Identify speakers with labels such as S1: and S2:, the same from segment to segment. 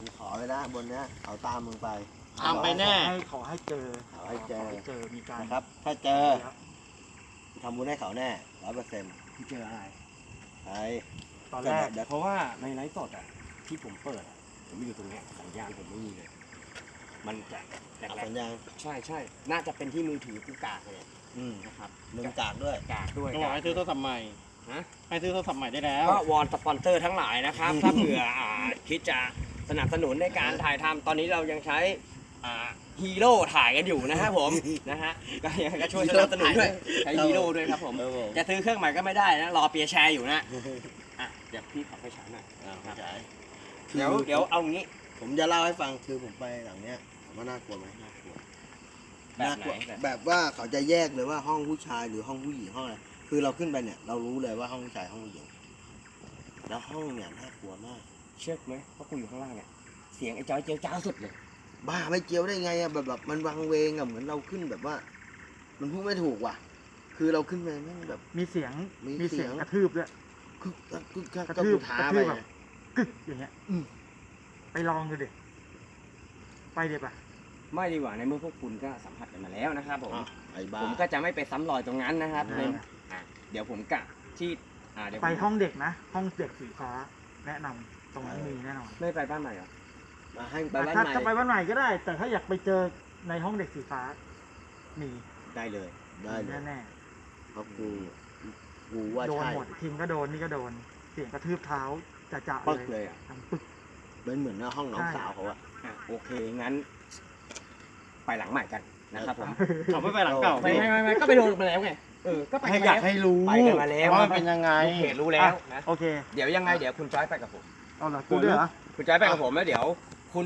S1: กูขอไว้นะบนเนี้ยเอาตามมึงไป
S2: ทำไปแน่
S3: ขอให้เจอ
S1: ขอให้เจอ
S3: เจอมีการ
S1: นะครับ ถ้าเจอทำบุญให้เขาแน่100%
S2: พี่เจออะไร
S1: ไอ้
S3: ตอนแรก
S1: เดี๋ยว
S2: เพราะว่าในไลฟ์สดอ่ะที่ผมเปิดอะผมอยู่ตรงเนี้ยสัญญาณผมไม่มีเลย มันจะแหล
S1: เอา
S2: ก
S1: สัญญาณ
S2: ๆใช่ใช่น่าจะเป็นที่มือถือกูกากเลย นะครับ
S1: มึงกากด้วย
S2: กากด้วย
S4: ก็บอกให้ซื้อโทรศัพท์ใหม่
S2: ฮะ
S4: ให้ซื้อโทรศัพท์ใหม่ได้แล้ว
S2: ก็วอนสปอนเซอร์ทั้งหลายนะครับ ถ้าเผื่อคิดจะสนับสนุนในการถ่ายทำตอนนี้เรายังใช้ฮีโร่ถ่ายกันอยู่นะครับผม นะฮะก็ยังก็ช่วยสนับสนุนด้วยใช้ฮีโร่ด้วยครับผม
S1: ครับผม
S2: จะซื้อเครื่องใหม่ก็ไม่ได้นะรอเปียร์แชร์อยู่นะอ่ะเดี๋ยวพี่ขอไปฉายหน่อย
S1: เข้าใจ
S2: เดี๋ยวเอางี้
S1: ผมจะเล่าให้ฟังคือผมไปหลังเนี้ยถามว่าน่ากลัวไหมน่ากลัว
S2: แบบไหน
S1: แบบว่าเขาจะแยกเลยว่าห้องผู้ชายหรือห้องผู้หญิงห้องอะไรคือเราขึ้นไปเนี่ยเรารู้เลยว่าห้องผู้ชายห้องผู้หญิงแล้วห้องเนี่ยน่ากลัวมาก
S2: เชื่อไหมเพราะกูอยู่ข้างล่างเนี่ยเสียงไอ้จอยเจียวจ้าวสุดเลย
S1: บ้าไม่เจียวได้ไงอะแบบมันวังเวงอะเหมือนเราขึ้นแบบว่า มันพูดไม่ถูกว่ะ คือเราขึ้นไปแม่งแบบ
S3: มีเสียง
S1: มีเสียง
S3: กระทืบด้วย
S1: กึกกักกึกกัก
S3: กระ
S1: ก็
S3: ทืบ
S1: กูท้าก
S3: ระ
S1: ไป
S3: ทืบแบบ
S1: ไง
S3: กึกอย่างเงี้ยไปลองดูดิไปเดี๋ยวปะ
S2: ไม่ดีกว่าในเมื่อพวกคุณก็สัมผัสกันมาแล้วนะครับผม
S1: อ่ะไอ้บ้า
S2: ผมก็จะไม่ไปซ้ำรอยตรงนั้นนะครับ
S1: อ่า
S2: ในเดี๋ยวผมกะที่เดี๋ยวผม
S3: ไปห้องเด็กนะ ห้องเด็กสีฟ้า แนะนำตรงนั้นมีแน่นอน
S2: ไม่ไปบ้านใหม่เหรอ
S1: มาให้ไป
S3: แต่
S1: บ้าน
S3: ถ้า
S1: ใหม่
S3: ถ้าไปบ้านใหม่ก็ได้ แต่ถ้าอยากไปเจอในห้องเด็กสีฟ้า มี
S2: ได้เลย
S1: ได้เลย
S3: แน่
S1: เพราะกูว่า
S3: ๆโดน
S1: ใช่
S3: หมดทีมก็โดนนี่ก็โดน เสียงกระทืบเท้าจะ
S2: ปึ๊ก
S3: เล
S2: เลย ยอ่ะ
S3: ดังปึก
S1: เป็นเหมือนหน้าห้องน้อง
S3: ใช่
S1: สาวเขาอะ
S2: โอเคงั้น ไปหลังใหม่กันนะครับผม
S4: เขาไม่ไปหลังเก่า
S2: ไม่ก็ไปโดนมาแล้วไงก็ไป
S4: ให้
S2: กัน
S4: อยาก
S2: แล้ว
S4: ให้รู้
S2: ไปกันมาแล้ว
S4: ว่ามันเป็นยังไง
S2: ลูกเพจรู้แล้วนะ
S3: โอเค
S2: เดี๋ยวยังไงเดี๋ยวคุณจอยไปกับผม
S3: เอาล่ะกูด้วยเหรอ
S2: คุณจอยไปกับผมแล้วเดี๋ยวคุณ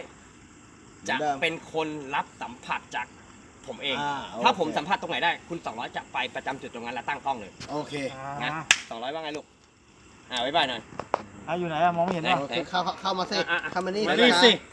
S2: 200จะเป็นคนรับสัมผัสจากผมเอง ถ้าผมสัมผัสตรงไหนได้คุณ200จะไปประจำจุดตรงนั้นแล้วตั้งกล้องเลย
S1: โอเค
S2: นะ 200ว่าไงลูกบ๊ายบายหน่อย
S3: อยู่ไหนอะมองไม่เห็น
S2: ไหน
S3: ป่ะ
S1: โอเคเข้ามาสิ
S2: อ่ะ
S1: เข้ามานี่
S2: มา
S1: นะ
S2: สิ